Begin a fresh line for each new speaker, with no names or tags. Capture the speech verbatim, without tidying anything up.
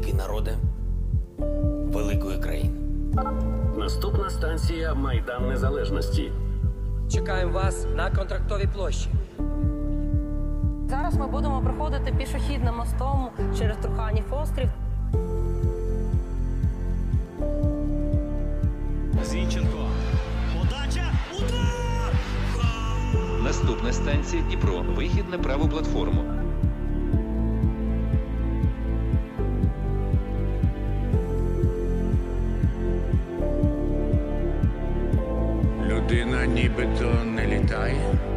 великий народе великої країни.
Наступна станція Майдан Незалежності.
Чекаємо вас на Контрактовій площі.
Зараз ми будемо проходити пішохідним мостом через Труханів острів.
Зінченко. Подача. Удар!
Наступна станція Дніпро. Вихід на праву платформу.
Людина нібито не літає.